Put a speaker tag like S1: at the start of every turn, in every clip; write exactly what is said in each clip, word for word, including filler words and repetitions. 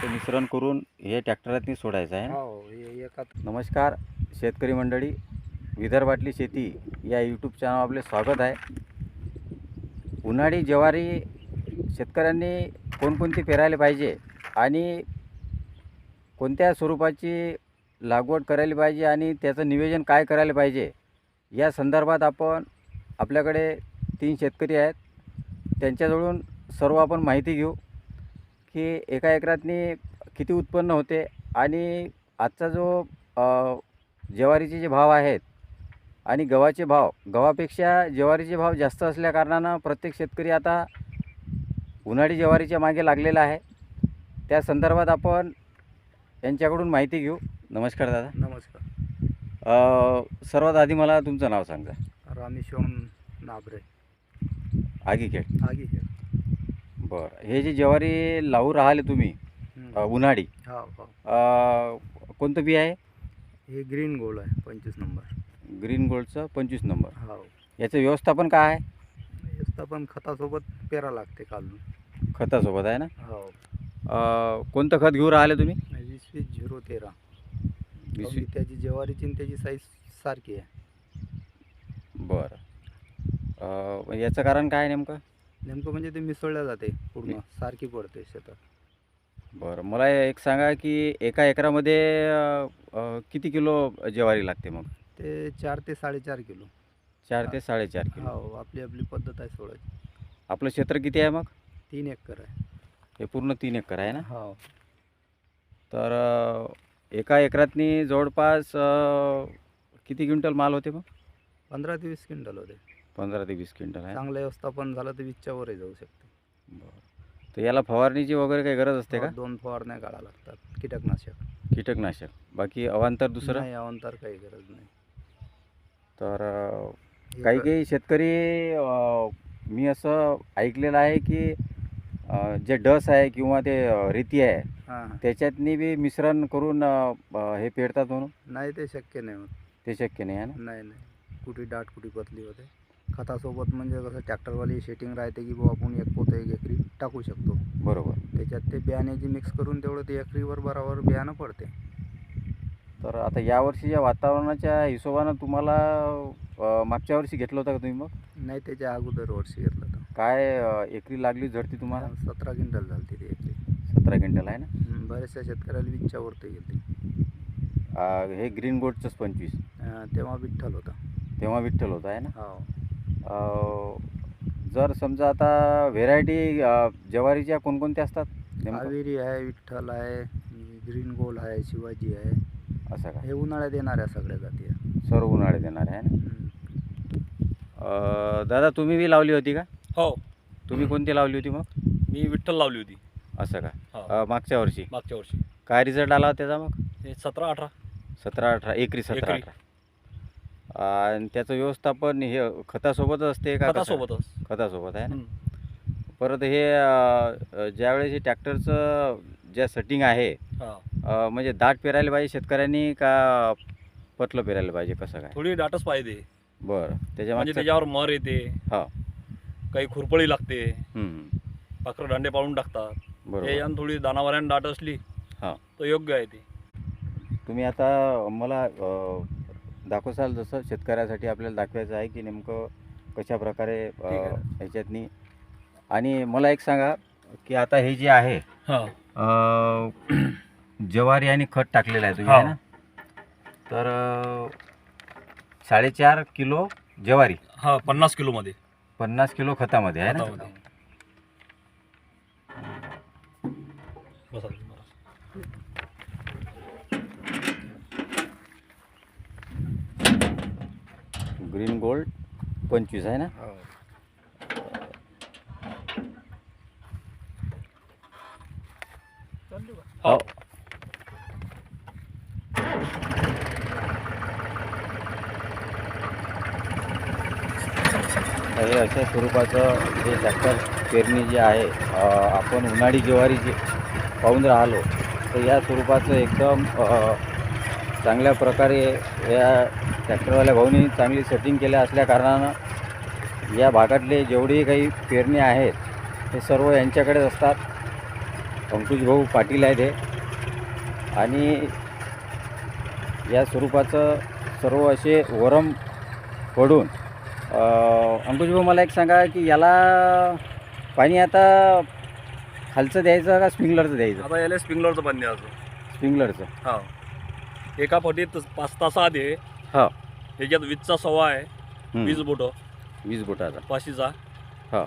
S1: ते मिश्रण करून हे ट्रॅक्टरातनी सोडायचं आहे ना?
S2: हो हे एका
S1: नमस्कार शेतकरी मंडळी, विदर्भातली शेती या यूट्यूब चॅनल आपले स्वागत आहे. उन्हाळी ज्वारी शेतकऱ्यांनी कोणकोणती पेरायला पाहिजे आणि कोणत्या स्वरूपाची लागवड करायला पाहिजे आणि त्याचं नियोजन काय करायला पाहिजे या संदर्भात आपण आपल्याकडे तीन शेतकरी आहेत, त्यांच्याजवळून सर्व आपण माहिती घेऊ की एका एकरातनी किती उत्पन्न होते आणि आजचा जो अ, ज्वारीचे जे भाव आहेत आणि गव्हाचे भाव, गव्हापेक्षा ज्वारीचे भाव जास्त असल्या कारणानं प्रत्येक शेतकरी आता उन्हाळी ज्वारीच्या मागे लागलेला आहे. त्या संदर्भात आपण यांच्याकडून माहिती घेऊ. नमस्कार दादा.
S2: नमस्कार.
S1: अ, सर्वात आधी मला तुमचं नाव सांगा.
S2: रामेश्वरम नाबरे,
S1: आगीखेड.
S2: आगी हे
S1: बरं, हे जे ज्वारी लावू राहिले तुम्ही अ, उन्हाळी,
S2: हा हो
S1: अ, कोणतं बी आहे?
S2: हे ग्रीन गोल्ड आहे पंचवीस नंबर.
S1: ग्रीन गोल्डचं पंचवीस नंबर.
S2: हो
S1: याचं व्यवस्थापन काय आहे?
S2: व्यवस्थापन खतासोबत पेरा लागते काढून.
S1: खतासोबत आहे ना?
S2: हो
S1: अ, कोणतं खत घेऊ राहिले तुम्ही?
S2: वीस वीस झिरो तेरा.
S1: वीस
S2: अगदी त्याची ज्वारीची आणि त्याची साईज सारखी आहे.
S1: बरं. अ, याचं कारण काय आहे नेमकं?
S2: नेमकं म्हणजे ते मिसळल्या जाते पूर्ण सारखी पडते शेतात.
S1: बरं, मला एक सांगा की एका एकरामध्ये अ, अ, किती किलो ज्वारी लागते मग?
S2: ते चार ते साडेचार किलो.
S1: चार ते साडेचार किलो.
S2: हो आपली आपली पद्धत आहे सोडायची.
S1: आपलं क्षेत्र किती आहे मग?
S2: तीन एकर आहे.
S1: हे पूर्ण तीन एकर आहे ना?
S2: हो
S1: तर अ, एका एकरातनी जवळपास अ, किती क्विंटल माल होते मग?
S2: पंधरा ते वीस क्विंटल होते.
S1: पंधरा ते वीस क्विंटल आहे.
S2: चांगलं व्यवस्थापन झालं तर वीसच्या वरही जाऊ शकते.
S1: बरं. तर याला फवारणीची वगैरे काही गरज असते का?
S2: हो, दोन फवारण्या काढाव्या लागतात. कीटकनाशक.
S1: कीटकनाशक, बाकी अवांतर दुसरं?
S2: नाही अवंतर काही गरज नाही.
S1: तर अ,
S2: हे
S1: काही
S2: क-
S1: काही शेतकरी अ, मी असं ऐकलेलं आहे की अ, जे डस आहे किंवा ते अ, रेती आहे
S2: हां हां.
S1: त्याच्यातनी बी मिश्रण करून अ, अ, हे पेरतात म्हणून.
S2: नाही ते शक्य नाही होत.
S1: ते शक्य नाही आहे ना?
S2: नाही नाही कुठे दाट कुठे पतली होते. खतासोबत म्हणजे कसं ट्रॅक्टरवाली सेटिंग राहते की बुवा आपण एक पोतं एक एकरी टाकू शकतो.
S1: बरोबर.
S2: त्याच्यात ते बियाण्याची मिक्स करून तेवढं ते एकरीवर बरोबर बियाणं पडते.
S1: तर आता यावर्षीच्या वातावरणाच्या हिशोबानं तुम्हाला अ, मागच्या वर्षी घेतलं होतं का तुम्ही मग?
S2: नाही त्याच्या अगोदर वर्षी घेतलं तर
S1: काय अ, एकरी लागली झडती तुम्हाला?
S2: सतरा क्विंटल झाली ती एकरी.
S1: सतरा क्विंटल आहे ना?
S2: हं, बऱ्याचशा शेतकऱ्याला वीसच्या वरती गेली.
S1: अ, हे ग्रीन गोल्डचंच पंचवीस.
S2: तेव्हा विठ्ठल होता.
S1: तेव्हा विठ्ठल होतं आहे ना?
S2: हो
S1: अ, जर समजा आता व्हेरायटी ज्वारीच्या कोणकोणत्या असतात नेमकं?
S2: कावेरी आहे, विठ्ठल आहे, ग्रीन गोल्ड आहे, शिवाजी आहे.
S1: असं का?
S2: हे उन्हाळ्यात येणाऱ्या सगळ्या जाती आहे.
S1: सर्व उन्हाळे देणार आहे ना?
S2: हं.
S1: अ, दादा तुम्ही बी लावली होती का?
S3: हो
S1: तुम्ही कोणती लावली होती मग?
S3: मी विठ्ठल लावली होती
S1: असं का?
S3: हो
S1: अ, मागच्या वर्षी
S3: मागच्या वर्षी.
S1: काय रिझल्ट आला त्याचा मग?
S3: हे सतरा अठरा
S1: सतरा अठरा एकरी सतरा
S3: एकरी.
S1: अठरा. आणि त्याचं व्यवस्थापन हे खतासोबतच असते का? कसं?
S3: खतासोबतच.
S1: खतासोबत आहे ना?
S3: हं.
S1: परत हे अ, ज्यावेळेस हे ट्रॅक्टरचं ज्या सेटिंग आहे
S3: हा
S1: अ, म्हणजे दाट पेरायला पाहिजे शेतकऱ्यांनी का पतलं पेरायला पाहिजे, कसं काय?
S3: थोडी दाटच पाहिजे
S1: बरं, त्याच्या
S3: म्हणजे
S1: मागचं
S3: त्याच्यावर मर येते,
S1: हा.
S3: काही खुरपळी लागते,
S1: हं,
S3: पाखरं दांडे पाडून टाकतात.
S1: बरोबर.
S3: याच्यानं थोडी दानावऱ्यानं दाट असली
S1: हा.
S3: तर योग्य आहे ती.
S1: तुम्ही आता मला अ, दाखवसाल जसं शेतकऱ्यासाठी आपल्याला दाखवायचं आहे की नेमकं कशा प्रकारे अ,
S3: ठीक आहे.
S1: ह्याच्यातनी. आणि मला एक सांगा की आता हे जे आहे
S3: हा
S1: अ, ज्वारी आणि खत टाकलेलं आहे तुम्ही
S3: हा.
S1: आहे ना? तर अ, साडेचार किलो ज्वारी
S3: हा पन्नास किलो मध्ये
S1: पन्नास किलो खतामध्ये आहे ना?
S3: खतामध्ये. बसा तुम्ही, बसा.
S1: ग्रीन गोल्ड पंचवीस आहे ना?
S2: हो.
S3: हो
S1: हे अशा स्वरूपाचं जे ट्रॅक्टर पेरणी जी आहे अ, आपण उन्हाळी ज्वारी जी पाहून राहिलो तर या स्वरूपाचं एकदम अ, चांगल्या प्रकारे या ट्रॅक्टरवाल्या भाऊनी चांगली सेटिंग केल्या असल्या कारणानं या भागातले जेवढे काही पेरणी आहेत ते सर्व यांच्याकडेच असतात. अंकुश भाऊ पाटील आहेत हे आणि या स्वरूपाचं सर्व असे वरम पडून अंकुश भाऊ मला एक सांगा की याला पाणी आता खालचं द्यायचं का स्प्रिंकलरचं द्यायचं?
S3: आता याला स्प्रिंकलरचं पाणी द्यायचं.
S1: स्प्रिंकलरचं.
S3: हा, एका फटीत पाच तास आधी
S1: हा,
S3: त्याच्यात वीसचा सव्वा आहे,
S1: हं.
S3: वीस बोटं
S1: वीस बोटाचा.
S3: पाचशेचा.
S1: हा,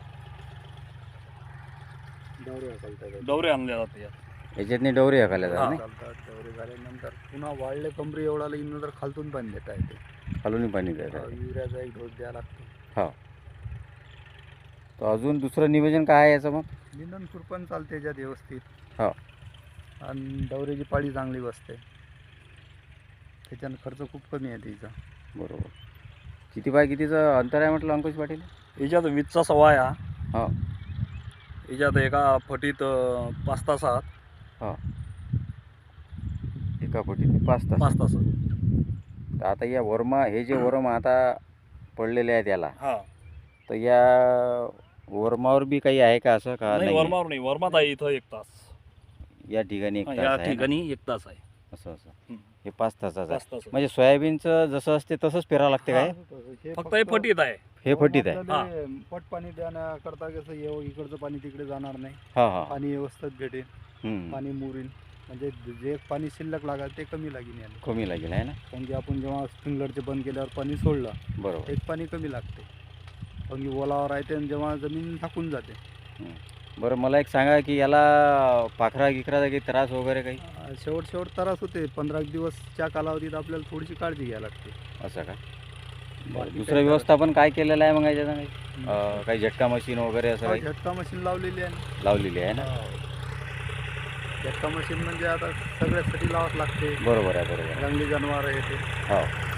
S2: डवरे चालतात
S3: डवरे आणले जातात यात.
S1: याच्यातनी डवरे हकायला जातात नाही?
S2: चालतात डवरे झाल्यानंतर पुन्हा वाढले कमरी एवढा लागली नंतर खालतून पाणी देता येते.
S1: खालून पाणी द्यायचं.
S2: युरियाचा एक डोस द्यावा लागतो.
S1: हा, तर अजून दुसरं नियोजन काय आहे याचं मग?
S2: निंदन खुरपण चालते त्याच्यात व्यवस्थित.
S1: हा,
S2: आणि डवरेची पाळी चांगली बसते. त्याच्यानं खर्च खूप कमी आहे तिचा.
S1: बरोबर. किती बाय कितीचं अंतर आहे म्हटलं अंकुश पाटील?
S3: याच्यात वीसचा सव्वा आहे.
S1: हा,
S3: याच्यात एका फटीत अं, पाच तासात
S1: हा, एका फटीत पाच तास.
S3: पाच तास
S1: तर आता या वर्मा हे जे वरम आता पडलेले आहेत याला,
S3: हा.
S1: तर या वर्मावर बी काही आहे का असं का
S3: नाही,
S1: नाही?
S3: वर्मावर नाही, वर्मात आहे इथं एक तास.
S1: या ठिकाणी एक
S3: हा,
S1: तास
S3: या
S1: आहे ना?
S3: ठिकाणी एक तास आहे.
S1: असं असं
S3: हं.
S1: हे पाच तासाचं
S3: पाच
S1: आहे.
S3: तास आहे.
S1: म्हणजे सोयाबीनचं जसं असते तसंच पेरावं लागते काय?
S2: हे
S3: फक्त हे फटीत आहे.
S1: हे फटीत आहे.
S2: आपल्याला पट पाणी देण्याकरता कसं येऊ इकडचं पाणी तिकडे जाणार नाही.
S1: हा हा.
S2: पाणी व्यवस्थित भेटेल.
S1: हं.
S2: पाणी मुरीन म्हणजे जे पाणी शिल्लक लागेल ते कमी लागेल याला.
S1: कमी लागेल आहे ना?
S2: कारण की आपण जेव्हा स्प्रिंकलरचे बंद केल्यावर पाणी सोडलं
S1: बरोबर.
S2: एक पाणी कमी लागते. कारण की ओलावर राहते आणि जेव्हा जमीन झाकून जाते.
S1: हं. बरं मला एक सांगा की याला पाखरा गिखराचा काही त्रास वगैरे काही
S2: अं, शेवट शेवट त्रास होते. पंधरा एक दिवसच्या कालावधीत आपल्याला थोडीशी काळजी घ्यावी लागते.
S1: असं का?
S2: बाकी
S1: बरं.
S2: काही
S1: दुसरं
S2: त्रास
S1: व्यवस्थापन काय केलेलं आहे मग याच्यात काही?
S2: नाही.
S1: अं, काही झटका मशीन वगैरे असं
S2: हा,
S1: काही
S2: झटका मशीन लावलेली आहे.
S1: लावलेली आहे ना?
S2: झटका मशीन म्हणजे आता सगळ्यासाठी लावावं लागते.
S1: बरोबर आहे, बरोबर आहे.
S2: जंगली जनावर आहे ते.
S1: हो.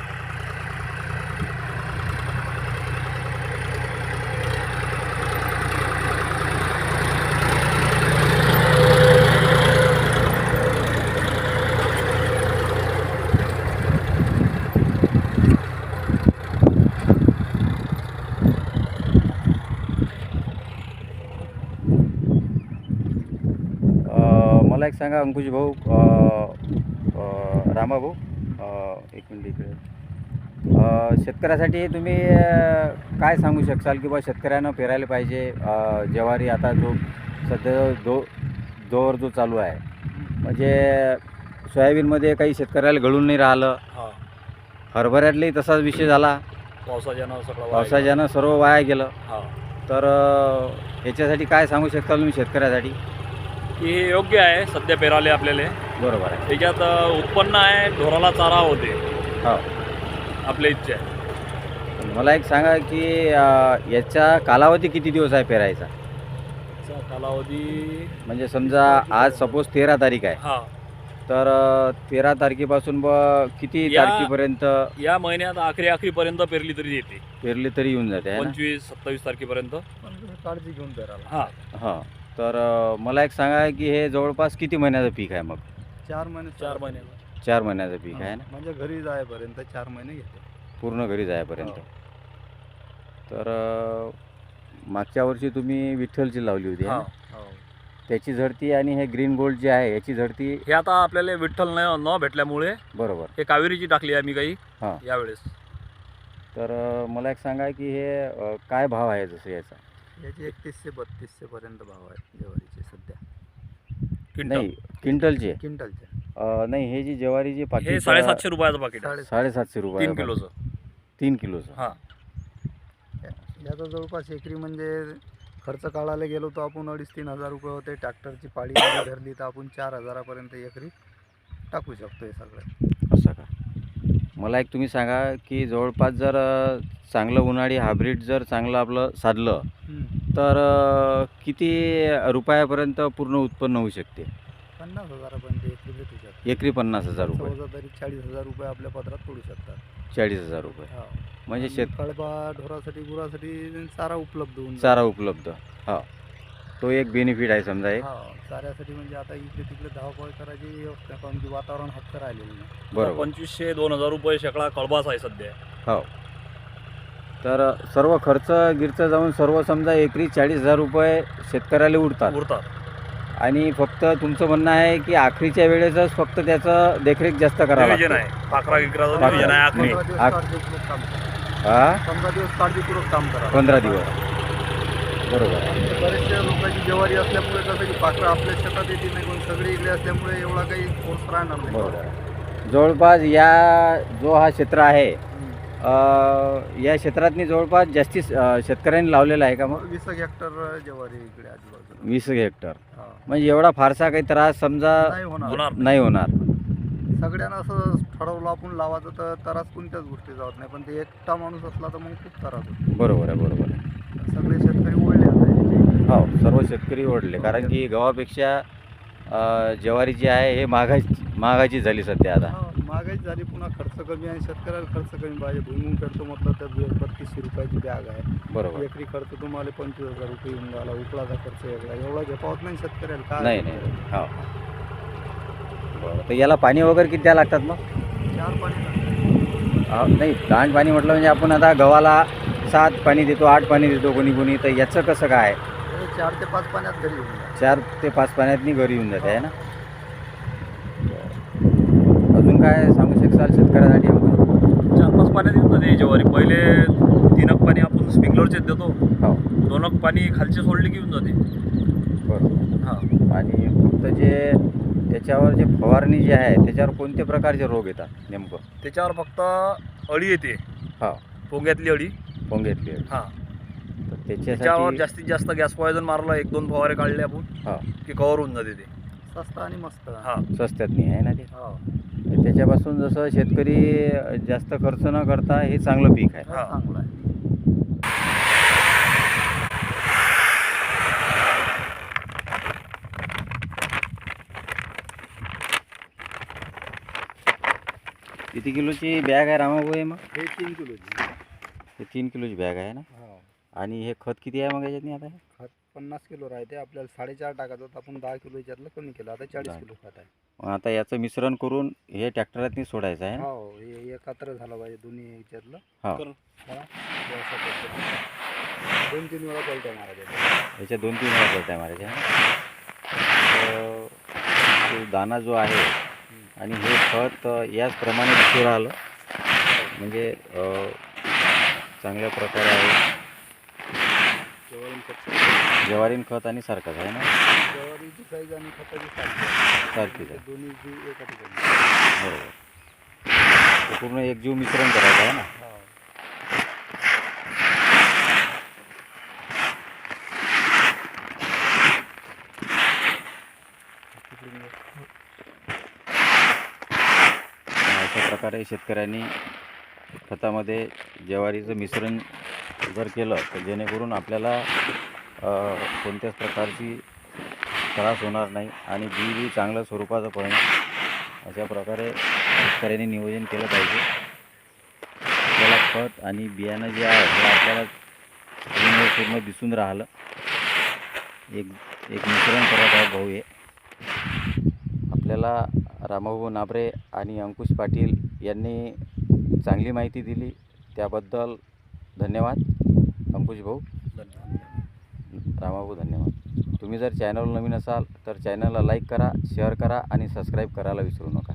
S1: अं, मला एक सांगा अंकुश भाऊ, अं, अं, रामा भाऊ, अं, एक मिनिट इकडे. अं, शेतकऱ्यासाठी तुम्ही अं, काय सांगू शकाल की बा शेतकऱ्यानं पेरायला पाहिजे? अं, ज्वारी आता जो सध्या दो दौर जो चालू आहे, म्हणजे सोयाबीनमध्ये काही शेतकऱ्याला घडून नाही राहिलं.
S3: हा,
S1: हरभऱ्यातलाही तसाच विषय झाला.
S3: पावसाच्यानं सगळं वाया गेलं.
S1: पावसाच्यानं सर्व वाया गेलं.
S3: हा,
S1: तर अं, याच्यासाठी काय सांगू शकता तुम्ही शेतकऱ्यासाठी?
S3: की हे योग्य आहे सध्या पेराले आपल्याला.
S1: बरोबर आहे.
S3: त्याच्यात अं, उत्पन्न आहे, ढोराला चारा होते.
S1: हो.
S3: आपल्या इच्छा आहे.
S1: मला एक सांगा की अं, याचा कालावधी किती दिवस आहे पेरायचा?
S3: त्याचा कालावधी
S1: म्हणजे समजा आज सपोज तेरा तारीख आहे,
S3: हा,
S1: तर अं, तेरा तारखेपासून ब किती
S3: या-
S1: तारखेपर्यंत
S3: या महिन्यात आखरी आखरीपर्यंत पेरली तरी येते.
S1: पेरली तरी येऊन जाते आहे ना?
S3: पंचवीस सत्तावीस तारखेपर्यंत.
S2: पण काळजी घेऊन पेरायला.
S3: हा,
S1: हां. तर अं, मला एक सांगा की हे जवळपास किती महिन्याचं पीक आहे मग?
S2: चार महिने
S3: चार महिन्याला.
S1: चार महिन्याचं पीक आहे ना?
S2: म्हणजे घरी जायपर्यंत चार महिने घेते.
S1: पूर्ण घरी जायपर्यंत.
S2: हो.
S1: तर अं, मागच्या वर्षी तुम्ही विठ्ठलची लावली होती आहे
S3: हा,
S1: ना?
S2: हो.
S1: त्याची झडती आणि हे ग्रीन गोल्ड जे आहे याची झडती
S3: हे आता आपल्याला विठ्ठल न न भेटल्यामुळे
S1: बरोबर.
S3: हे कावेरीची टाकली आहे मी काही
S1: हां.
S3: यावेळेस.
S1: तर अं, मला एक सांगा की हे अं, काय भाव आहे जसं याचा?
S2: याचे एकतीसशे बत्तीसशे पर्यंत भाव आहेत ज्वारीचे सध्या.
S3: क्विंटल.
S1: नाही, क्विंटलचे.
S2: क्विंटलचे
S1: अं, नाही, हे जी ज्वारीची
S3: हे
S1: पाकिट
S3: साडेसातशे रुपयाचं पाकिट आहे.
S2: साडे
S1: साडेसातशे रुपये
S3: तीन किलोचं.
S1: तीन किलोचं.
S3: हा,
S2: याचा जवळपास एकरी म्हणजे खर्च काढायला गेलो तर आपण अडीच तीन हजार रुपये होते. ट्रॅक्टरची पाळी जरी धरली तर आपण चार हजारापर्यंत एकरी टाकू शकतो हे सगळं.
S1: असं का? मला एक तुम्ही सांगा की जवळपास जर अं, चांगलं उन्हाळी हायब्रिड जर चांगलं आपलं साधलं तर अं, किती रुपयापर्यंत पूर्ण उत्पन्न होऊ शकते?
S2: पन्नास हजारापर्यंत एकरी भेटू शकतो.
S1: एकरी पन्नास हजार रुपये.
S2: सहजा तरी चाळीस हजार रुपये आपल्या पदरात पडू शकतात.
S1: चाळीस हजार रुपये.
S2: हा.
S1: म्हणजे
S2: आणि
S1: शेत
S2: कळपा ढोरासाठी गुरासाठी चारा उपलब्ध होऊन जातो.
S1: चारा उपलब्ध. हा, तो एक बेनिफिट आहे समजा एक.
S2: हा, चाऱ्यासाठी म्हणजे आता इकडे तिकडे धावपळ करायची व्यवस्था कारण की वातावरण हात राहिलेलं नाही.
S1: बरोबर.
S3: पंचवीसशे दोन हजार रुपये शेकडा कळबास आहे सध्या.
S1: हो. तर सर्व खर्च गिरचं जाऊन सर्व समजा एकरी चाळीस हजार रुपये शेतकऱ्याला उरतात.
S3: उरतात.
S1: आणि फक्त तुमचं म्हणणं आहे की आखरीच्या वेळेसच फक्त त्याचं देखरेख जास्त करावं
S3: नियोजन
S1: लागतं.
S3: आहे पाखरा गिकराचं
S1: पाखरा.
S3: नियोजन आहे आखरी
S2: पंधरा दिवस
S1: आख-
S2: काळजीपूर्वक काम करा.
S1: हा
S2: पंधरा दिवस काळजीपूर्वक काम करा.
S1: पंधरा दिवस बरोबर आहे.
S2: बरेचशा लोकांची ज्वारी असल्यामुळे कसं की पाखरं आपल्या शेतात येते नाही, पण सगळे इकडे असल्यामुळे एवढा काही फोर्स राहणार नाही.
S1: बरोबर आहे. जवळपास या जो हा क्षेत्र आहे
S2: हम्म.
S1: अ, या क्षेत्रातनी जवळपास जास्ती अ, शेतकऱ्यांनी लावलेला आहे का मग
S2: वीस एक हेक्टर ज्वारी इकडे आजूबाजूला.
S1: वीस हेक्टर
S2: हा.
S1: म्हणजे एवढा फारसा काही त्रास समजा
S2: नाही होणार.
S3: होणार
S1: नाही होणार.
S2: सगळ्यांना असं ठरवलं आपण लावायचं तर त्रास कोणत्याच गोष्टी जात नाही, पण ते एकटा माणूस असला तर मग खूप त्रास होतो.
S1: बरोबर आहे बरोबर आहे.
S2: सगळे शेतकरी ओढले आता याचे.
S1: हो सर्व शेतकरी ओढले कारण की गव्हापेक्षा अ, ज्वारी जी आहे हे महागाची महागाची झाली सध्या आता.
S2: हा, महागाई झाली, पुन्हा खर्च कमी आणि शेतकऱ्याला खर्च कमी पाहिजे. भुईमुंग करतो म्हटलं तर बे- बत्तीसशे रुपयाची बॅग आहे.
S1: बरोबर
S2: एकरी खर्च तुम्हाला पंचवीस हजार रुपये येऊन झाला, उकळाचा खर्च वेगळा, एवढा झेपावत नाही शेतकऱ्याला. काय
S1: नाही नाही हो बरं तर याला पाणी वगैरे किती द्यावं लागतात मग?
S2: चार पाणी लागतं.
S1: हा, नाही दांड पाणी म्हटलं म्हणजे आपण आता गव्हाला सात पाणी देतो आठ पाणी देतो कोणी कोणी तर याचं कसं काय
S2: हे चार ते पाच पाण्यात घरी येऊन जातं.
S1: चार ते पाच पाण्यातनी घरी येऊन जाते आहे ना. अजून काय सांगू शकाल शेतकऱ्यासाठी आपण?
S3: चार पाच पाण्यात येऊन जाते ज्वारी. पहिले तीनक पाणी आपण स्प्रिंकलरचेच देतो,
S1: हो
S3: दोनक पाणी खालचे सोडले की येऊन जाते.
S1: बरोबर.
S3: हां
S1: आणि फक्त जे त्याच्यावर जे फवारणी जी आहे त्याच्यावर कोणत्या प्रकारचे रोग येतात नेमकं?
S3: त्याच्यावर फक्त अळी येते,
S1: हो
S3: पोंग्यातली अळी.
S1: पोंगेतली आहे.
S3: हां
S1: तर
S3: त्याच्यावर
S1: त्याच्यासाठी
S3: जास्तीत जास्त गॅस पॉयझन मारला, एक दोन फवारे काढले आपण
S1: हो
S3: की कव्हर होऊन जाते ते.
S2: स्वस्त आणि मस्त.
S3: हां
S1: स्वस्तात नाही आहे ना ते.
S2: हो.
S1: तर त्याच्यापासून जसं शेतकरी जास्त खर्च न करता हे चांगलं पीक आहे.
S3: हा.
S2: चांगला आहे.
S1: किती किलोची बॅग आहे रामाभाऊ हे मग?
S2: हे तीन किलोची.
S1: हे तीन किलोची बॅग आहे ना.
S2: हो.
S1: आणि हे खत किती आहे मग याच्यातनी आता हे?
S2: खत पन्नास किलो राहते, आपल्याला साडेचार टाकायचं होतं, आपण दहा किलो याच्यातलं कमी केलं, आता चाळीस
S1: दहा.
S2: किलो खत आहे.
S1: मग आता याचं मिश्रण करून हे ट्रॅक्टरातनी सोडायचं आहे ना.
S2: हो, हे एकत्र झालं पाहिजे दोन्ही याच्यातलं.
S1: हो
S3: करून.
S2: हा, हे असं पद्धतीने. दोन तीन वेळा पलट्या मारायच्या.
S1: याच्या दोन तीन वेळा पलट्या मारायच्या आहे ना. तर तो दाना जो आहे आणि हे खत अ, याचप्रमाणे दिसू राहिलं म्हणजे अ, चांगल्या प्रकारे आहे.
S2: ज्वारी खत
S1: ज्वारीन खत आणि सारखंच आहे ना.
S2: ज्वारीची साईज आणि खताची साईज
S1: सारखीच आहे
S2: दोन्ही जीव एका ठिकाणी.
S1: बरोबर. ते पूर्ण एकजीव मिश्रण करायचं आहे ना.
S2: हो.
S1: अशा प्रकारे शेतकऱ्यांनी खतामध्ये ज्वारीचं मिश्रण जर केलं तर जेणेकरून आपल्याला अ, कोणत्याच प्रकारची त्रास होणार नाही आणि बी बी चांगल्या स्वरूपाचं पडणं अशा प्रकारे शेतकऱ्यांनी नियोजन केलं पाहिजे. आपल्याला खत आणि बियाणं जे आहे हे आपल्याला पूर्ण पूर्ण दिसून राहिलं. एक एक मिश्रण करत आहे भाऊ हे. आपल्याला रामभाऊ नाबरे आणि अंकुश पाटील यांनी चांगली माहिती दिली त्याबद्दल धन्यवाद अंकुश भाऊ. रामाभाऊ धन्यवाद. तुम्ही जर चॅनल नवीन असाल तर चॅनलला लाईक करा, शेअर करा आणि सबस्क्राईब करायला विसरू नका.